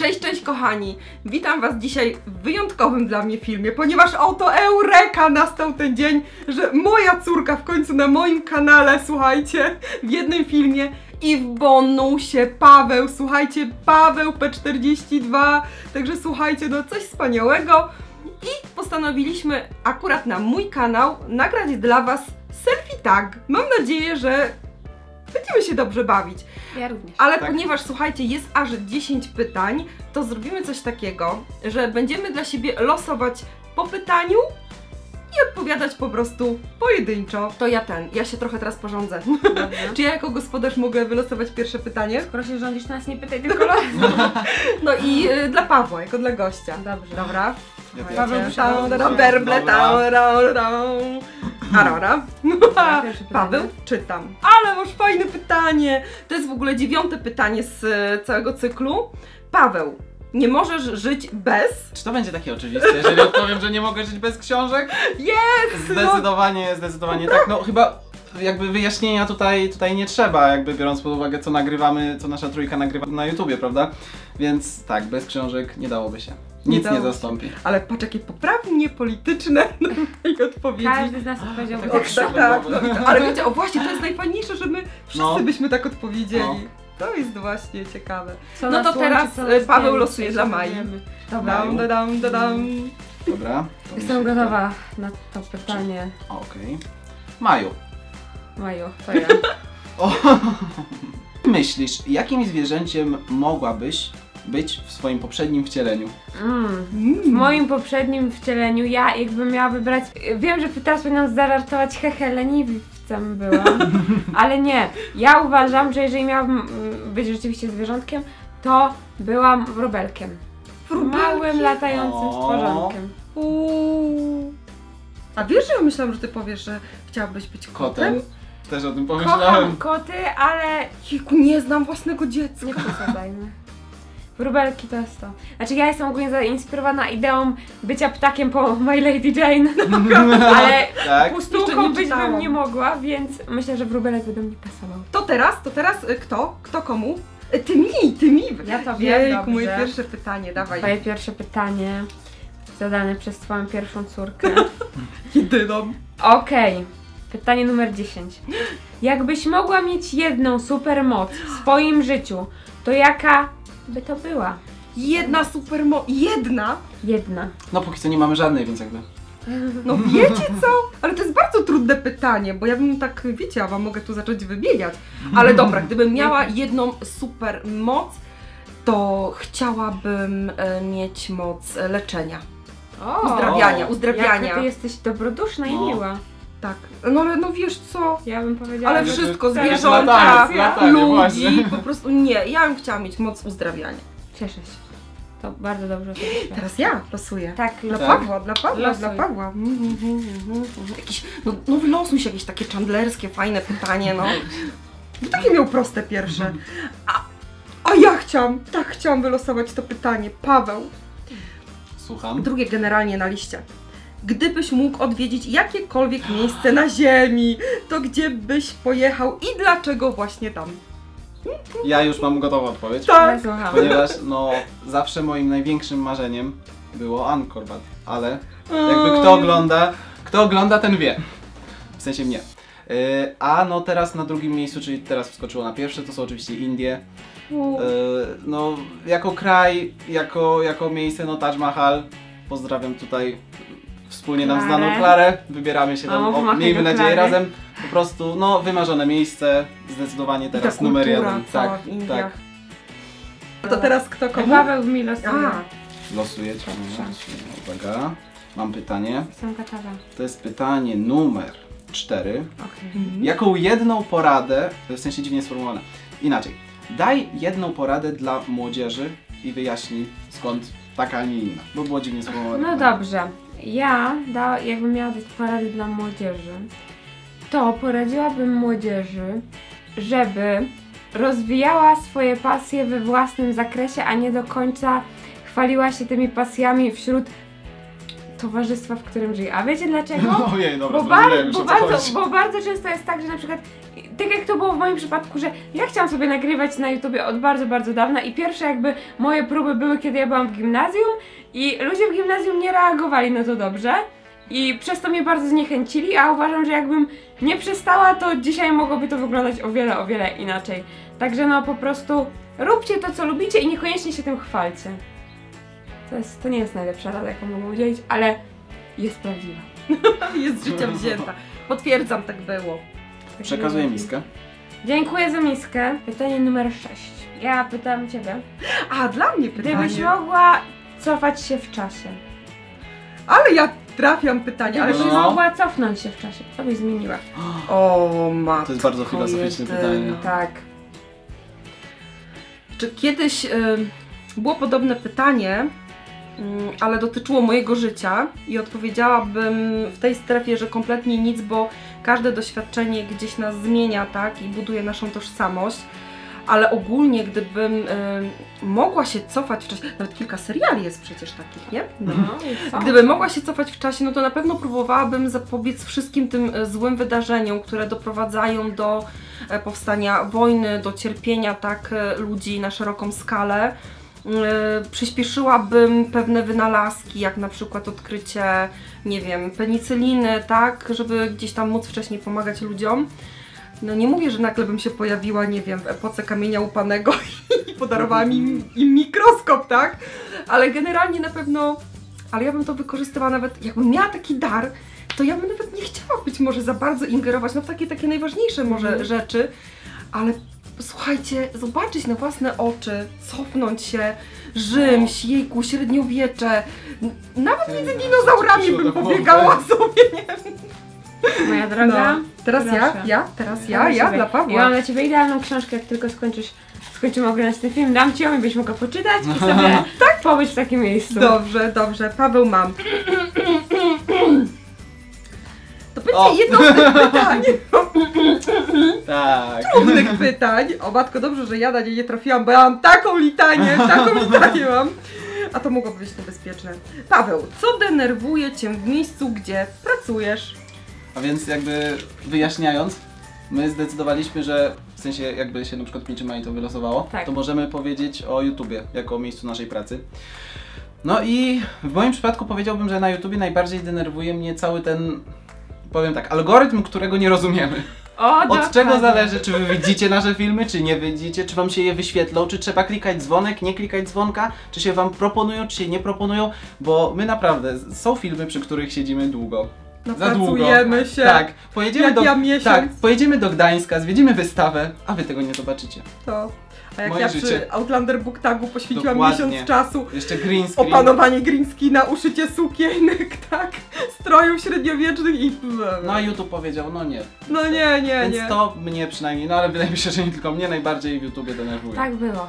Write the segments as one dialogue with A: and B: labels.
A: Cześć, cześć kochani! Witam was dzisiaj w wyjątkowym dla mnie filmie, ponieważ oto eureka nastał ten dzień, że moja córka w końcu na moim kanale, słuchajcie, w jednym filmie i w bonusie Paweł, słuchajcie, Paweł P42, także słuchajcie, no coś wspaniałego i postanowiliśmy akurat na mój kanał nagrać dla was selfie tag. Mam nadzieję, że będziemy się dobrze bawić.
B: Ja również.
A: Ale ponieważ, słuchajcie, jest aż 10 pytań, to zrobimy coś takiego, że będziemy dla siebie losować po pytaniu i odpowiadać po prostu pojedynczo. To ja się trochę teraz porządzę. Czy ja jako gospodarz mogę wylosować pierwsze pytanie?
B: Skoro się rządzisz, nas nie pytaj, tylko
A: No i dla Pawła, jako dla gościa.
B: Dobrze.
A: Dobra.
B: Paweł,
A: werble, Arora. Paweł, czytam. Ale masz fajne pytanie. To jest w ogóle 9. pytanie z całego cyklu. Paweł, nie możesz żyć bez...
C: Czy to będzie takie oczywiste, jeżeli odpowiem, że nie mogę żyć bez książek?
A: Jest!
C: Zdecydowanie tak. No chyba jakby wyjaśnienia tutaj nie trzeba, jakby biorąc pod uwagę co nagrywamy, co nasza trójka nagrywa na YouTubie, prawda? Więc tak, bez książek nie dałoby się. Nic nie zastąpi.
A: Ale patrz, jakie poprawnie polityczne na tej odpowiedzi.
B: Każdy z nas odpowiedział
A: tak. Ale wiecie, o właśnie, to jest najfajniejsze, że my wszyscy byśmy tak odpowiedzieli.
C: No.
A: To jest właśnie ciekawe.
B: No to teraz
A: Paweł losuje dla Mai.
B: Dobra.
C: Dobra.
B: Jestem gotowa na to pytanie.
C: Okej. Maju.
B: Maju, to ja.
C: Myślisz, jakim zwierzęciem mogłabyś być w swoim poprzednim wcieleniu?
B: W moim poprzednim wcieleniu ja jakbym miała wybrać... Wiem, że teraz powinnam zażartować, hehe, leniwcem byłam, ale nie. Ja uważam, że jeżeli miałabym być rzeczywiście zwierzątkiem, to byłam wróbelkiem. Małym, latającym stworzonkiem.
A: A wiesz, że ja myślałam, że ty powiesz, że chciałabyś być kotem?
C: Też o tym pomyślałem.
B: Kocham koty, ale...
A: Jejku, nie znam własnego dziecka.
B: Nie przesadzajmy. Wróbelki to jest to. Znaczy ja jestem ogólnie zainspirowana ideą bycia ptakiem po My Lady Jane, ale
C: tak.
B: pustułką być bym nie mogła, więc myślę, że wróbelek by do mnie pasował.
A: To teraz kto? Kto komu? Ty mi!
B: Ja to wiem,
A: Jejku,
B: dobrze.
A: moje pierwsze pytanie, dawaj.
B: Twoje pierwsze pytanie zadane przez twoją pierwszą córkę.
A: Jedyną.
B: Okej. Pytanie numer 10. Jakbyś mogła mieć jedną supermoc w swoim życiu, to jaka by to była?
A: Jedna supermoc. Jedna?
B: Jedna.
C: No póki co nie mamy żadnej, więc jakby...
A: No wiecie co? Ale to jest bardzo trudne pytanie, bo ja bym tak, wiecie, ja wam mogę tu zacząć wymieniać. Ale dobra, gdybym miała jedną supermoc, to chciałabym mieć moc leczenia. Uzdrawiania.
B: Jaka ty jesteś dobroduszna i miła.
A: Tak, no ale no wiesz co?
B: Ja bym powiedziała,
A: Ale
B: że
A: wszystko,
B: tak.
A: zwierzątka,
C: latanie,
A: ludzi,
C: właśnie.
A: po prostu nie, ja bym chciała mieć moc uzdrawiania.
B: Cieszę się. To bardzo dobrze.
A: Teraz ja losuję.
B: Tak,
A: Dla
C: Tak.
A: Pawła, dla Pawła,
B: Losuj.
A: dla Pawła. Jakieś, no wylosuj się jakieś takie chandlerskie, fajne pytanie, no. Takie miał proste pierwsze. A ja chciałam wylosować to pytanie. Paweł.
C: Słucham.
A: Drugie generalnie na liście. Gdybyś mógł odwiedzić jakiekolwiek miejsce na ziemi, to gdzie byś pojechał i dlaczego właśnie tam?
C: Ja już mam gotową odpowiedź.
A: Tak.
B: Słucham.
C: Ponieważ no zawsze moim największym marzeniem było Angkor Wat, ale jakby kto ogląda ten wie. W sensie mnie. A no teraz na drugim miejscu, czyli teraz wskoczyło na pierwsze, to są oczywiście Indie. No jako kraj, jako miejsce, no Taj Mahal. Pozdrawiam tutaj wspólnie nam znaną Klarę. Wybieramy się tam, miejmy nadzieję razem. Po prostu no wymarzone miejsce, zdecydowanie teraz numer 1. Tak, tak.
A: To teraz kto komu?
B: Paweł mi losuje.
C: Losujecie. Uwaga. Mam pytanie.
B: Jestem gotowa.
C: To jest pytanie numer 4.
B: Okay.
C: Jaką jedną poradę, w sensie dziwnie sformułowane, inaczej, daj jedną poradę dla młodzieży i wyjaśnij skąd taka, a nie inna, bo było dziwnie sformułowane.
B: No dobrze. Ja, jakbym miała dać porady dla młodzieży, to poradziłabym młodzieży, żeby rozwijała swoje pasje we własnym zakresie, a nie do końca chwaliła się tymi pasjami wśród towarzystwa, w którym żyje. A wiecie dlaczego?
C: Ojej, dobra,
B: Bo bardzo często jest tak, że na przykład tak jak to było w moim przypadku, że ja chciałam sobie nagrywać na YouTubie od bardzo, bardzo dawna i pierwsze jakby moje próby były, kiedy ja byłam w gimnazjum i ludzie w gimnazjum nie reagowali na to dobrze i przez to mnie bardzo zniechęcili, a uważam, że jakbym nie przestała, to dzisiaj mogłoby to wyglądać o wiele inaczej. Także no po prostu róbcie to, co lubicie i niekoniecznie się tym chwalcie. To nie jest najlepsza rada, jaką mogę udzielić, ale jest prawdziwa.
A: Jest z życia wzięta. Potwierdzam, tak było.
C: Przekazuję miskę.
B: Dziękuję za miskę. Pytanie numer 6. Ja pytam ciebie.
A: A, dla mnie pytanie.
B: Gdybyś mogła cofać się w czasie.
A: Ale ja trafiam pytanie, ale
B: Gdybyś
A: się...
B: mogła cofnąć się w czasie, co byś zmieniła?
A: O, matko.
C: To jest bardzo filozoficzne pytanie.
B: Tak.
A: Czy kiedyś było podobne pytanie, ale dotyczyło mojego życia i odpowiedziałabym w tej strefie, że kompletnie nic, bo każde doświadczenie gdzieś nas zmienia, tak, i buduje naszą tożsamość, ale ogólnie gdybym mogła się cofać w czasie, nawet kilka seriali jest przecież takich, nie?
B: No,
A: Gdybym mogła się cofać w czasie, no to na pewno próbowałabym zapobiec wszystkim tym złym wydarzeniom, które doprowadzają do powstania wojny, do cierpienia, tak, ludzi na szeroką skalę. Przyspieszyłabym pewne wynalazki, jak na przykład odkrycie, nie wiem, penicyliny, tak, żeby gdzieś tam móc wcześniej pomagać ludziom. No nie mówię, że nagle bym się pojawiła, nie wiem, w epoce kamienia łupanego i podarowałam im mikroskop, tak? Ale generalnie na pewno, ale ja bym to wykorzystywała nawet, jakbym miała taki dar, to ja bym nawet nie chciała być może za bardzo ingerować, no w takie najważniejsze może rzeczy, ale słuchajcie, zobaczyć na własne oczy, cofnąć się, Rzym, jejku, średniowiecze, nawet między dinozaurami bym pobiegała sobie, nie wiem.
B: Moja droga.
A: No. Teraz ja dla Pawła.
B: Ja mam dla ciebie idealną książkę, jak tylko skończymy oglądać ten film, dam ci ją i byś mogła poczytać i sobie pobyć w takim miejscu.
A: Dobrze, Paweł mam. To będzie jedno z tych pytań.
C: Tak.
A: Trudnych pytań. O matko, dobrze, że ja na nie trafiłam, bo ja mam taką litanię mam. A to mogłoby być niebezpieczne. Paweł, co denerwuje cię w miejscu, gdzie pracujesz?
C: A więc jakby wyjaśniając, my zdecydowaliśmy, że w sensie jakby się na przykład 5 maja to wylosowało,
B: tak,
C: to możemy powiedzieć o YouTubie jako o miejscu naszej pracy. No i w moim przypadku powiedziałbym, że na YouTubie najbardziej denerwuje mnie cały ten, powiem tak, algorytm, którego nie rozumiemy. Od czego zależy, czy wy widzicie nasze filmy, czy nie widzicie, czy wam się je wyświetlą, czy trzeba klikać dzwonek, nie klikać dzwonka, czy się wam proponują, czy się nie proponują, bo my naprawdę, są filmy, przy których siedzimy długo. Za długo.
A: Pracujemy się.
C: Tak,
A: pojedziemy
C: pojedziemy do Gdańska, zwiedzimy wystawę, a wy tego nie zobaczycie.
A: To. A jak
C: Moje
A: ja
C: życie.
A: przy Outlander Book Tagu poświęciłam
C: Dokładnie.
A: miesiąc czasu,
C: Jeszcze green screen.
A: opanowanie green screena, uszycie sukienek, tak, strojów średniowiecznych i...
C: No a YouTube powiedział, no nie.
A: No nie.
C: Więc to mnie przynajmniej, no ale wydaje mi się, że nie tylko mnie najbardziej w YouTubie denerwuje.
B: Tak było.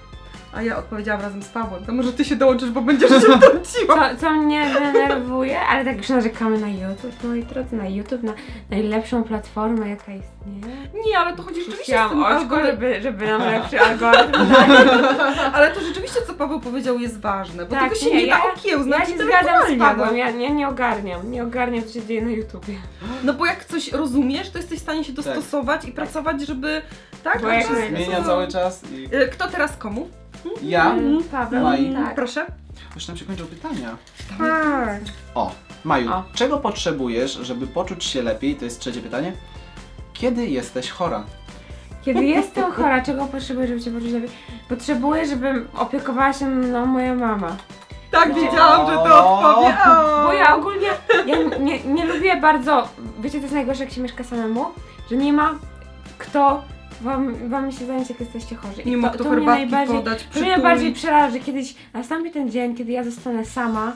A: A ja odpowiedziałam razem z Pawłem, to może ty się dołączysz, bo będziesz się wtrąciła.
B: Co mnie denerwuje, ale tak już narzekamy na YouTube, moi drodzy, na YouTube, na najlepszą platformę, jaka istnieje.
A: Nie, ale to chodzi rzeczywiście z
B: Chciałam
A: tym
B: oczko,
A: algorytmem.
B: żeby nam lepszy algorytm dać.
A: Ale to rzeczywiście, co Paweł powiedział, jest ważne, bo
B: Tak,
A: tego się nie da okiełznać
B: Ja się zgadzam z
A: intelektualnie,
B: Pawłem,
A: no.
B: ja nie ogarniam, co się dzieje na YouTubie.
A: No bo jak coś rozumiesz, to jesteś w stanie się dostosować i pracować, żeby... Tak,
B: Bo jak
A: to jest-
C: Zmienia cały czas i...
A: Kto teraz komu?
C: Ja?
B: Paweł,
C: Maj.
B: tak.
A: Proszę.
C: Już nam się kończą pytania.
A: Tak.
C: O, Maju,
B: O.
C: czego potrzebujesz, żeby poczuć się lepiej? To jest trzecie pytanie. Kiedy jesteś chora?
B: Kiedy jestem chora, czego potrzebuję, żeby się poczuć lepiej? Potrzebuję, żeby opiekowała się mną moja mama.
A: Tak,
B: No.
A: wiedziałam, że to odpowie.
B: Bo ja ogólnie, nie lubię bardzo, wiecie co jest najgorsze, jak się mieszka samemu? Że nie ma kto wam się zająć, jak jesteście chorzy.
A: Nie ma kto herbatki podać,
B: To mnie najbardziej przeraża, że kiedyś nastąpi ten dzień, kiedy ja zostanę sama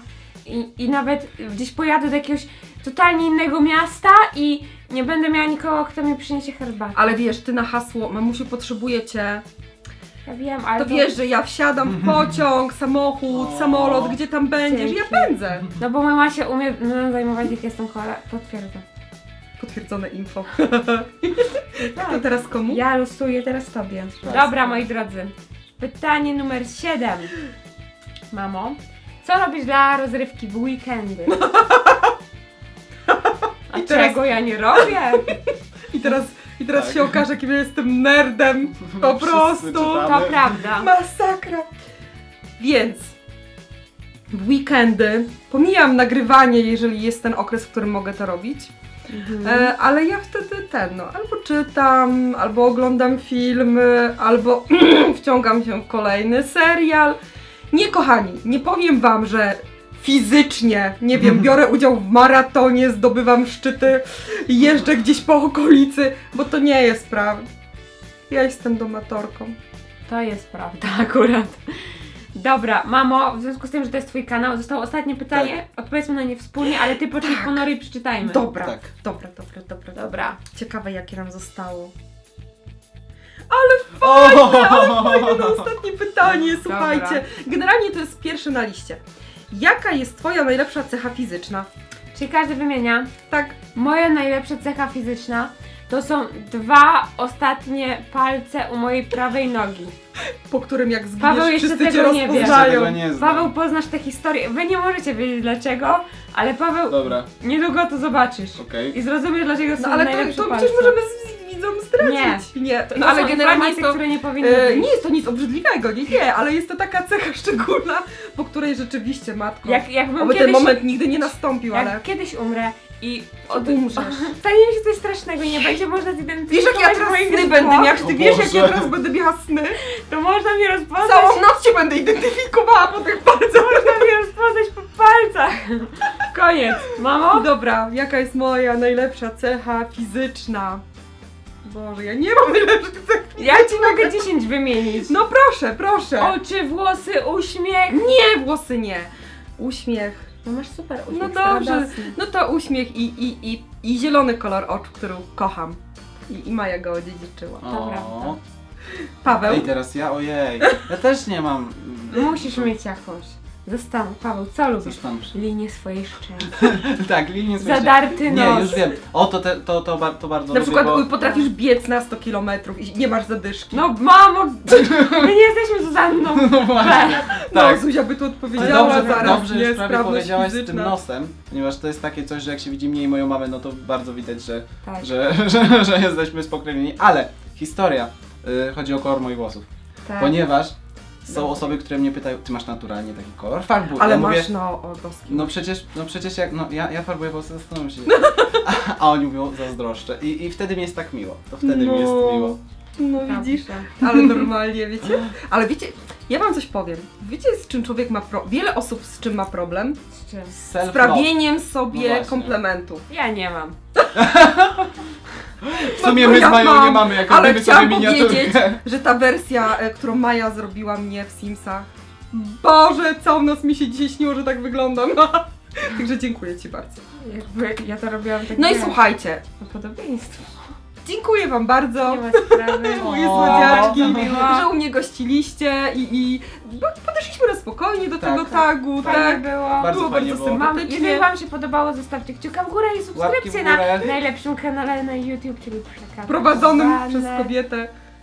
B: i nawet gdzieś pojadę do jakiegoś totalnie innego miasta i nie będę miała nikogo, kto mi przyniesie herbatę.
A: Ale wiesz, ty na hasło, mamusiu, potrzebuję cię,
B: Ja wiem, ale
A: to wiesz, że ja wsiadam w pociąg, samochód, samolot, gdzie tam będziesz, ja pędzę.
B: No bo mama się umie zajmować, jak jestem chora, potwierdzam.
A: Potwierdzone info. To teraz komu?
B: Ja losuję teraz tobie.
C: Jasne.
B: Dobra, moi drodzy. Pytanie numer 7. Mamo, co robisz dla rozrywki w weekendy? A
A: I teraz-
B: czego ja nie robię?
A: I teraz I teraz
C: Tak.
A: się okaże, jakim ja jestem nerdem. Po
C: Wszyscy
A: prostu.
C: czytamy.
B: To prawda.
A: Masakra. Więc w weekendy pomijam nagrywanie, jeżeli jest ten okres, w którym mogę to robić. Ale ja wtedy albo czytam, albo oglądam filmy, albo wciągam się w kolejny serial. Nie, kochani, nie powiem wam, że fizycznie, nie wiem, biorę udział w maratonie, zdobywam szczyty, jeżdżę gdzieś po okolicy, bo to nie jest prawda. Ja jestem domatorką.
B: To jest prawda akurat. Dobra, mamo, w związku z tym, że to jest twój kanał, zostało ostatnie pytanie. Odpowiedzmy na nie wspólnie, ale ty poczuj ponory i przeczytajmy.
A: Dobra,
C: Tak.
A: dobra.
B: Dobra.
A: Ciekawe, jakie nam zostało.
C: O!
A: Fajne na ostatnie pytanie, słuchajcie. Generalnie to jest pierwsze na liście. Jaka jest twoja najlepsza cecha fizyczna?
B: Czyli każdy wymienia.
A: Tak.
B: Moja najlepsza cecha fizyczna to są 2 ostatnie palce u mojej prawej nogi.
A: Po którym jak
B: Paweł
A: zginiesz,
B: jeszcze
A: wszyscy cię
B: tego nie wie.
C: Jeszcze
A: rozpoznają.
C: tego nie znam.
B: Paweł, poznasz tę historię. Wy nie możecie wiedzieć dlaczego, ale Paweł,
C: Dobra,
B: niedługo to zobaczysz.
C: okej.
B: I zrozumiesz, dlaczego są
A: No ale
B: najlepsze
A: to
B: palce.
A: przecież możemy z widzom zdradzić. Nie.
B: To
A: No ale
B: są
A: generalnie
B: informacje,
A: jest to...
B: które nie powinny być.
A: Nie jest to nic obrzydliwego, nie, ale jest to taka cecha szczególna, po której rzeczywiście, matko,
B: Jakbym
A: oby ten
B: kiedyś,
A: moment nigdy nie nastąpił,
B: jak
A: ale...
B: kiedyś umrę i
A: Umrzesz.
B: stanie mi się coś strasznego i nie będzie można zidentyfikować
A: Wiesz, jak ja teraz
B: moich
A: sny
B: zwłok,
A: będę miała, ty
C: O
A: wiesz, jak ja
C: Boże.
A: teraz będę miała sny?
B: to można mnie rozpoznać.
A: Całą noc cię będę identyfikowała po tych palcach.
B: Można mnie rozpoznać po palcach. Koniec. Mamo?
A: Dobra, jaka jest moja najlepsza cecha fizyczna? Boże, ja nie mam najlepszych cech fizycznych.
B: Ja ci mogę 10 wymienić.
A: No proszę.
B: Oczy, włosy, uśmiech.
A: Nie, włosy nie. Uśmiech.
B: No masz super uśmiech.
A: No dobrze.
B: radosny.
A: No to uśmiech i zielony kolor oczu, który kocham. I Maja go odziedziczyła.
B: To prawda.
A: Paweł?
C: Ej, teraz ja, ojej. Ja też nie mam.
B: Musisz mieć jakąś. Zastanów, Paweł, co lubisz?
C: Coś tam.
B: Linię swojej szczęki.
C: Tak, linię swojej-
B: Zadarty nos.
C: Nie, już wiem. O, to bardzo
A: Na
C: lubię,
A: przykład
C: bo...
A: potrafisz biec na 100 km i nie masz zadyszki.
B: No mamo, my nie jesteśmy Zuzanną.
C: No właśnie.
A: No,
C: Tak.
A: Zuzia by tu
C: Ale
A: odpowiedziała zaraz,
C: dobrze
A: nie,
C: już prawie
A: sprawność
C: powiedziałaś z tym
A: fizyczna.
C: nosem, ponieważ to jest takie coś, że jak się widzi mnie i moją mamę, no to bardzo widać, że,
B: Tak.
C: że jesteśmy spokrewnieni. Ale historia, chodzi o kolor moich włosów.
B: Tak.
C: Ponieważ są osoby, które mnie pytają, ty masz naturalnie taki kolor farbu.
A: Ale
C: ja
A: masz,
C: mówię,
A: no, o boski.
C: no przecież jak, no ja farbuję włosy, zastanawiam się. A oni mówią, zazdroszczę. I wtedy mi jest tak miło. To wtedy mi jest miło.
A: No
B: Prawda.
A: widzisz, ale normalnie, wiecie? Ale wiecie, ja wam coś powiem. Wiecie, z czym człowiek ma wiele osób z czym ma problem?
B: Z czym?
A: Z
C: Self-love.
A: prawieniem
C: No
A: sobie
C: właśnie.
A: komplementów.
B: Ja nie mam.
C: W sumie
A: No
C: my z
A: ja
C: Mają
A: mam,
C: nie mamy, jak
A: ale
C: robimy sobie
A: chciałam powiedzieć,
C: miniaturkę.
A: że ta wersja, którą Maja zrobiła mnie w Simsach, Boże, całą noc mi się dzisiaj śniło, że tak wyglądam. Także dziękuję ci bardzo.
B: Jakby ja to robiłam tak.
A: No i
B: wiesz,
A: słuchajcie,
B: na podobieństwo.
A: dziękuję wam bardzo.
B: Nie ma sprawy.
A: Moje
C: O,
A: słodziaczki,
B: miło.
A: że u mnie gościliście i podeszliśmy na spokojnie do
C: Tak,
A: tego tagu,
B: Fajnie
A: tak?
B: było.
C: Bardzo
A: Było
C: fajnie
A: bardzo
C: było.
A: sympatycznie.
B: Jeżeli wam się podobało, zostawcie kciuka w górę i subskrypcję
C: Łapki w
B: na
C: górę.
B: najlepszym kanale na YouTube, czyli Przekaz.
A: Prowadzonym
B: Kochane.
A: przez kobietę.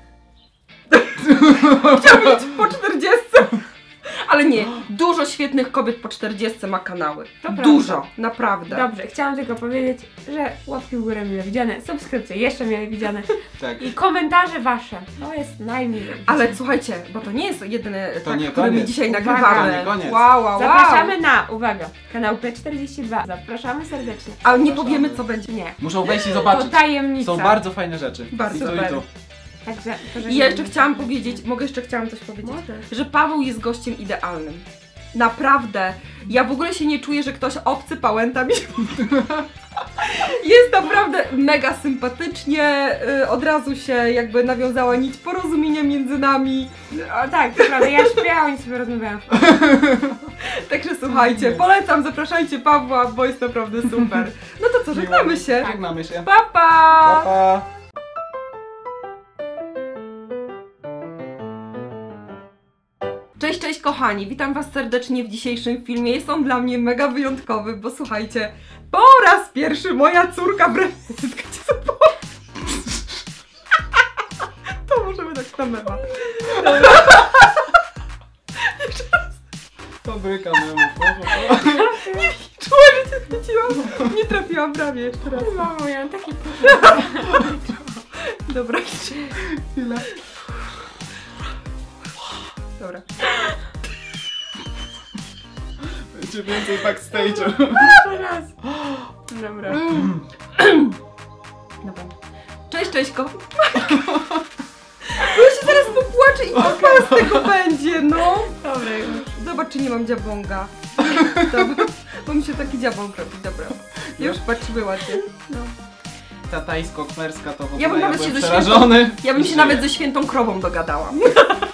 A: Chciałam być po 40. Ale nie, dużo świetnych kobiet po 40 ma kanały.
B: To
A: Dużo,
B: prawda.
A: naprawdę.
B: Dobrze, chciałam tylko powiedzieć, że łapki w górę mile widziane, subskrypcje jeszcze mile widziane
C: Tak.
B: i komentarze wasze. To jest najmilej.
A: Ale słuchajcie, bo to nie jest jedyny
C: To
A: tak,
C: nie
A: który my
C: koniec.
A: dzisiaj
B: Uwaga.
A: nagrywamy.
C: To nie koniec.
A: Wow.
B: Zapraszamy na, uwaga, kanał P42. Zapraszamy serdecznie.
A: Ale nie
C: Zapraszamy.
A: powiemy co będzie.
B: Nie,
C: Muszą wejść i
B: to
C: zobaczyć.
B: tajemnica.
C: Są bardzo fajne rzeczy.
A: Bardzo
C: I to,
A: super.
C: i to.
B: Także,
A: I ja jeszcze chciałam powiedzieć, chciałam coś powiedzieć,
B: Możesz.
A: że Paweł jest gościem idealnym. Naprawdę. Ja w ogóle się nie czuję, że ktoś obcy pałęta mi. Jest naprawdę mega sympatycznie, od razu się jakby nawiązała nić porozumienia między nami.
B: O tak, to prawda, ja śpiewałam i sobie rozmawiałam.
A: Także słuchajcie, polecam, zapraszajcie Pawła, bo jest naprawdę super. No to co, żegnamy się.
C: Żegnamy się.
A: Pa, pa!
C: Pa, pa.
A: Cześć kochani, witam was serdecznie w dzisiejszym filmie. Jest on dla mnie mega wyjątkowy, bo słuchajcie, po raz pierwszy moja córka zyskacie sobie. To możemy tak na mema.
C: Fabryka memów.
A: Czuła, że cię chwyciłam. Nie trafiłam prawie jeszcze raz.
B: Mamo, ja mam taki
A: Dobra.
C: Chwila.
A: Dobra.
C: Będzie więcej backstage'u.
B: Raz. Dobra.
A: Dobra. Cześć, Cześćko. Bo ja się zaraz popłaczę i kupa z tego będzie, no.
B: Dobra, już.
A: Zobacz, czy nie mam dziabąga. Dobra, bo mi się taki dziabąg robi, dobra. Już patrzymy ładnie. No.
C: Ta tajsko-kmerska to w ogóle
A: Ja bym nawet się
C: byłem
A: ze
C: przerażony.
A: Ja bym się
C: Żyję.
A: nawet ze świętą krową dogadała.